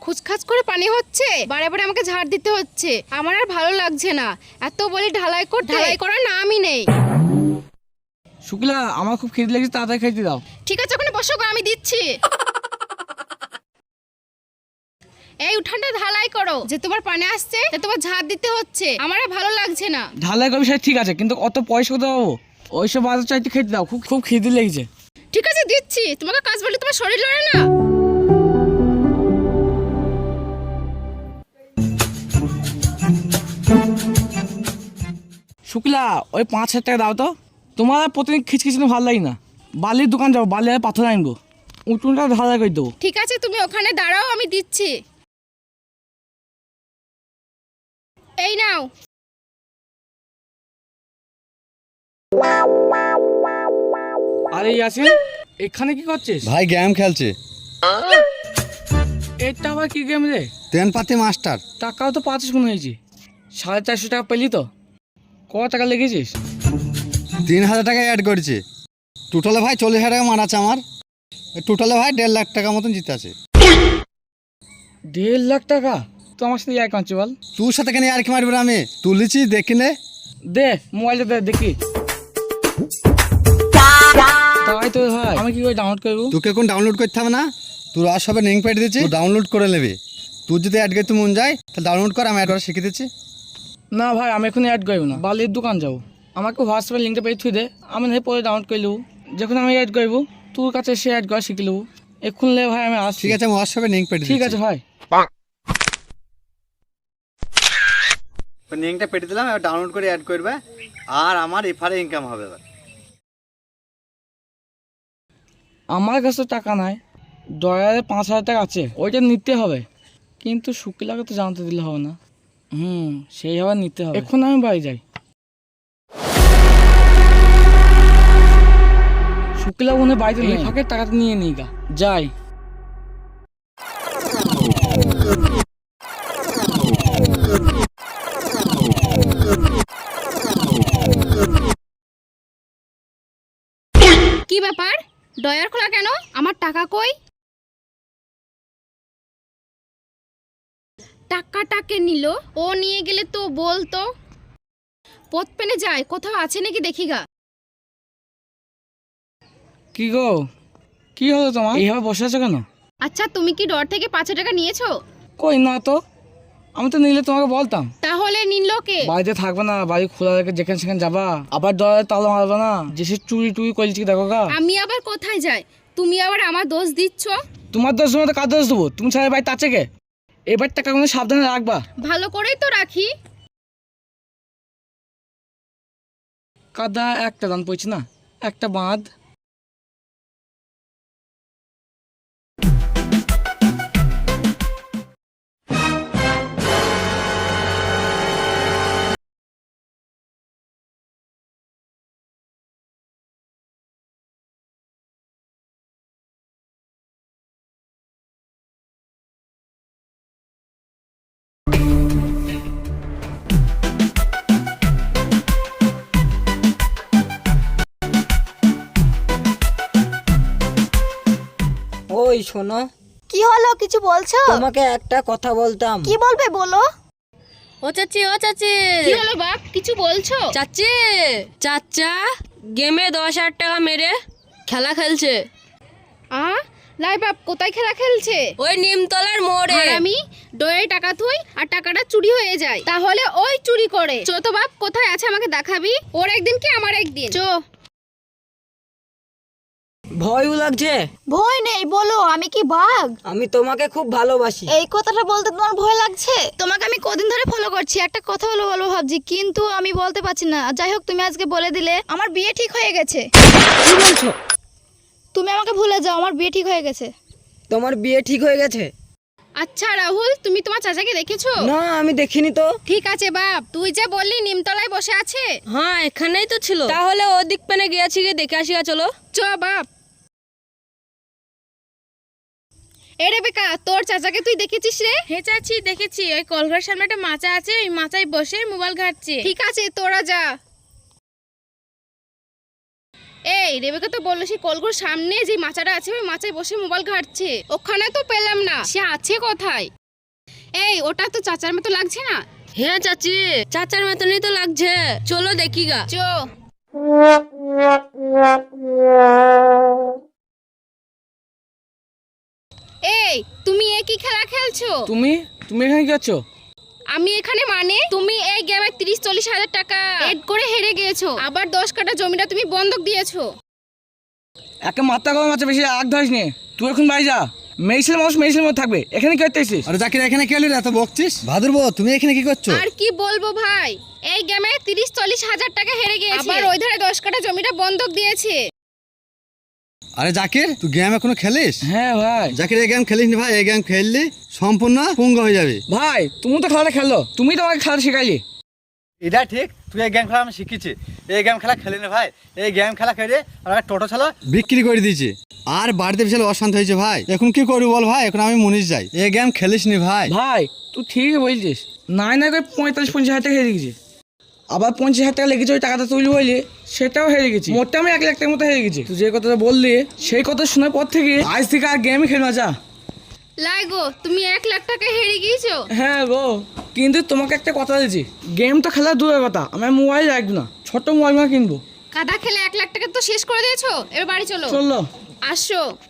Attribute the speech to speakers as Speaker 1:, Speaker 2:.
Speaker 1: খুচখাচ করে পানি হচ্ছে, বারে বারে আমাকে ঝাড় দিতে হচ্ছে। আমার আর ভালো লাগছে না, এত বলি ঢালাই করতে, ঢালাই করার নামই নেই।
Speaker 2: শুক্লা, আমার খুব খিদে লেগেছে, তাড়াতাড়ি খাইতে দাও।
Speaker 1: ঠিক আছে, ওখানে বসো গো, আমি দিচ্ছি। এই উঠানটা ঢালাই করো, যে তোমার পানি আসছে তোমার ঝাড় দিতে হচ্ছে, আমার আর ভালো লাগছে না।
Speaker 2: ঢালাই করবি সেটা ঠিক আছে, কিন্তু অত পয়সা কোথায় পাবো? ওইসব বাজার চাইতে খেতে দাও, খুব খুব খিদে লেগেছে।
Speaker 1: ঠিক আছে দিচ্ছি, তোমাকে কাজ বললে তোমার শরীর লড়ে না।
Speaker 2: শুক্লা, ওই 5,000 টাকা দাও তো। তোমার আর প্রতিদিন খিচখিচি ভালো লাগে না। বালির দোকান যাবো, বালি আর পাথর আনবো, উঠোনটা ঢালাই করে দেবো।
Speaker 1: ঠিক আছে, তুমি ওখানে দাঁড়াও, আমি দিচ্ছি। এই নাও।
Speaker 2: আরে ইয়াসিন, এখানে কি করছিস?
Speaker 3: ভাই গেম খেলছে।
Speaker 2: এটা আবার কি গেম রে?
Speaker 3: তেনপাতি মাস্টার।
Speaker 2: টাকাও তো পাচ্ছিস মনে হয়েছে। 450 টাকা পেলি তো? কত টাকা লেগেছিস?
Speaker 3: 3,000 টাকা অ্যাড করেছে। টোটালে ভাই 40,000 টাকা মারাচ্ছে আমার। টোটালে ভাই 1.5 লাখ টাকা মতন জিতে আছে।
Speaker 2: 1.5 লাখ টাকা? তো আমার সাথে এক কাঁচি বল।
Speaker 3: তোর সাথে কেন আর কি মারবে? আমি তুলেছি, দেখি নে।
Speaker 2: দে মোবাইলটা দে দেখি। তাই তো ভাই, আমি কি করে ডাউনলোড করবো?
Speaker 3: তোকে কোন ডাউনলোড করতে হবে না, তোর আর সবে লিঙ্ক পেয়ে দিচ্ছি, ডাউনলোড করে নেবে। তোর যদি অ্যাড করতে মন যায় তাহলে ডাউনলোড কর, আমি অ্যাড করা শিখে দিচ্ছি।
Speaker 2: না ভাই, আমি এখন অ্যাড করবো না, বালির দোকান যাবো। আমাকে হোয়াটসঅ্যাপে লিঙ্কটা পেয়ে থুই দে, আমি না পরে ডাউনলোড করে নেবো। যখন আমি অ্যাড করবো তোর কাছে সে অ্যাড করা শিখে নেবো। এখন লে ভাই আমি আসছি।
Speaker 3: ঠিক আছে, আমি হোয়াটসঅ্যাপে লিঙ্ক পেয়ে দিচ্ছি।
Speaker 2: ঠিক আছে ভাই।
Speaker 3: লিঙ্কটা পেটে দিলাম, এবার ডাউনলোড করে অ্যাড করবে, আর আমার এফআরে ইনকাম হবে। এবার
Speaker 2: আমার কাছে টাকা নাই, ডলারে 5,000 টাকা আছে, ওইটা নিতে হবে। কিন্তু শুক্লাকে তো জানতে দিলে হবে না। সেইভাবে নিতে হবে। এখন আমি বাড়ি যাই। শুক্লা মনে বাড়িতে নেই, ফাঁকে টাকাটা নিয়ে নিই গা, যাই।
Speaker 1: কি ব্যাপার, ডয়ার খোলা কেন? আমার টাকা কই? টাকাটাকে নিল, ও নিয়ে গেলে তো বলতো। পথ পেনে যায়, কোথাও আছে নাকি দেখি গা।
Speaker 2: কি গো, কি হলো তোমার? এইভাবে বসে আছো কেন?
Speaker 1: আচ্ছা, তুমি কি ডর থেকে 5,000 টাকা নিয়েছো?
Speaker 2: কই না তো, আমি তো নিলে তোমাকে বলতাম।
Speaker 1: তাহলে নিল কে?
Speaker 2: বাড়িতে থাকবে না, বাড়ি খোলা রেখে যেখানে সেখানে যাবা, আবার ডলারে তালা মারবে না, যে সে চুরি টুরি করছি দেখো গা।
Speaker 1: আমি আবার কোথায় যাই? তুমি আবার আমার দোষ দিচ্ছ।
Speaker 2: তোমার দোষ মতো কার দোষ দেবো? তুমি ছাড়া বাড়িতে আছে কে? এবার টাকা কোনো সাবধানে রাখবা।
Speaker 1: ভালো করেই তো রাখি।
Speaker 2: কাদা একটা দান পড়ছে না, একটা বাঁধ।
Speaker 4: ওই শোনো,
Speaker 5: কি হলো, কিছু বলছো?
Speaker 4: তোমাকে একটা কথা বলতাম।
Speaker 5: কি বলবে বলো।
Speaker 6: ও চাচি, ও চাচি,
Speaker 1: কি হলো বাপ, কিছু বলছো?
Speaker 6: চাচি, চাচা গেমে 10,000 টাকা মেরে খেলা খেলছে।
Speaker 1: লাই বাপ, কোথায় খেলা খেলছে?
Speaker 6: ওই নিমতলার মোড়ে।
Speaker 1: আর আমি ডয়ে টাকা থুই আর টাকাটা চুরি হয়ে যায়, তাহলে ওই চুরি করে। চো তো বাপ, কোথায় আছে আমাকে দেখাবি। ওর একদিন কি আমার একদিন, চো।
Speaker 4: ভয়ও লাগছে?
Speaker 5: ভয় নেই, বলো, আমি কি বাঘ?
Speaker 4: আমি তোমাকে খুব ভালোবাসি।
Speaker 5: এই কথাটা বলতে তোমার ভয় লাগছে? তোমাকে আমি কদিন ধরে ফলো করছি, একটা কথা বলবো ভাবছি, কিন্তু আমি বলতে পারছি না। যাই হোক, তুমি আজকে বলে দিলে আমার বিয়ে ঠিক হয়ে গেছে।
Speaker 4: কি বলছো?
Speaker 5: তুমি আমাকে ভুলে যাও, আমার বিয়ে ঠিক হয়ে গেছে।
Speaker 4: তোমার বিয়ে ঠিক হয়ে গেছে?
Speaker 1: আচ্ছা রাহুল, তুমি তোমার চাচাকে দেখেছো?
Speaker 4: না, আমি দেখিনি তো।
Speaker 1: ঠিক আছে বাপ, তুই যে বললি নিমতলায় বসে আছে।
Speaker 6: হ্যাঁ, এখানেই তো ছিল। তাহলে ওদিক পেনে গিয়েছি, গিয়ে দেখে আসি, চলো।
Speaker 1: চ বাপ। এ রেবেকা, তোর চাচাকে তুই দেখেছিস রে?
Speaker 6: হে চাচি, দেখেছি। ওই কলঘরের সামনে একটা মাচা আছে, ওই মাচায় বসে মোবাইল ঘাটছে।
Speaker 1: ঠিক আছে, তোরা যা। এই রেবেকা তো বললো সে কলগুর সামনে যে মাচাটা আছে ওই মাচায় বসে মোবাইল ঘাটছে, ওখানে তো পেলাম না, সে আছে কোথায়? এই ওটা তো চাচার মতো লাগছে না?
Speaker 6: হ্যাঁ চাচি, চাচার মতনই তো লাগছে, চলো দেখি গা।
Speaker 1: চো। এই তুমি এ কি খেলা খেলছো?
Speaker 2: তুমি তুমি এখানে কি আছো?
Speaker 1: আমি এখানে মানে তুমি এই গেমে 30-40 হাজার টাকা এড করে হেরে গিয়েছো, আবার 10 কাঠা জমিটা তুমি বন্ধক দিয়েছো।
Speaker 2: একে মাথা গরম আছে, বেশি আগ ধরিস নে। তুই এখন বাড়ি যা, মেয়েছেলে মানুষ মেয়েছেলে মধ্যে থাকবে, এখানে কি করতে এসেছিস?
Speaker 3: আরে জাকির এখানে কে এলি রে, এত বকছিস? ভাদুর বউ তুমি এখানে কি করছো?
Speaker 1: আর কি বলবো ভাই, এই গেমে 30-40 হাজার টাকা হেরে গিয়েছে, আবার ওই ধারে 10 কাঠা জমিটা বন্ধক দিয়েছে।
Speaker 3: আরে জাকির তুই গেম এখনো খেলিস?
Speaker 2: হ্যাঁ ভাই।
Speaker 3: জাকির এই গেম খেলিস নি ভাই, এই গেম খেললি সম্পূর্ণ পুঙ্গ হয়ে যাবে।
Speaker 2: ভাই তুমি তো খেলাটা খেলো, তুমি তো আমাকে খেলা শেখাইলি।
Speaker 3: এটা ঠিক, তুই এই গেম খেলা আমি শিখেছি, এই গেম খেলা খেলি না ভাই। এই গেম খেলা খেলে আর টোটো ছেলে বিক্রি করে দিয়েছে, আর বাড়িতে বিশাল অশান্ত হয়েছে ভাই। এখন কি করবি বল ভাই, এখন আমি মুনিশ যাই। এই গেম খেলিস নি ভাই।
Speaker 2: ভাই তুই ঠিকই বলছিস, নাই না করে 45-50 হাজার টাকা হেরে গেছি, আবার 50 হাজার টাকা লেগেছে ওই টাকাটা তুলি বললি, সেটাও হেরে গেছি, মোটটা আমি 1 লাখ টাকার মতো হেরে গেছি। তুই যে কথাটা বললি সেই কথা শোনার পর থেকে আজ থেকে আর গেমই খেলবা যা।
Speaker 1: লাই গো, তুমি 1 লাখ টাকা হেরে গিয়েছো?
Speaker 2: হ্যাঁ গো, কিন্তু তোমাকে একটা কথা দিয়েছি, গেম তো খেলা দূরের কথা, আমি মোবাইল রাখবো না, ছোট্ট মোবাইল কিনবো।
Speaker 1: কাদা খেলে 1 লাখ টাকা তো শেষ করে দিয়েছো, এবার বাড়ি চলো।
Speaker 2: চলো।
Speaker 1: আসো।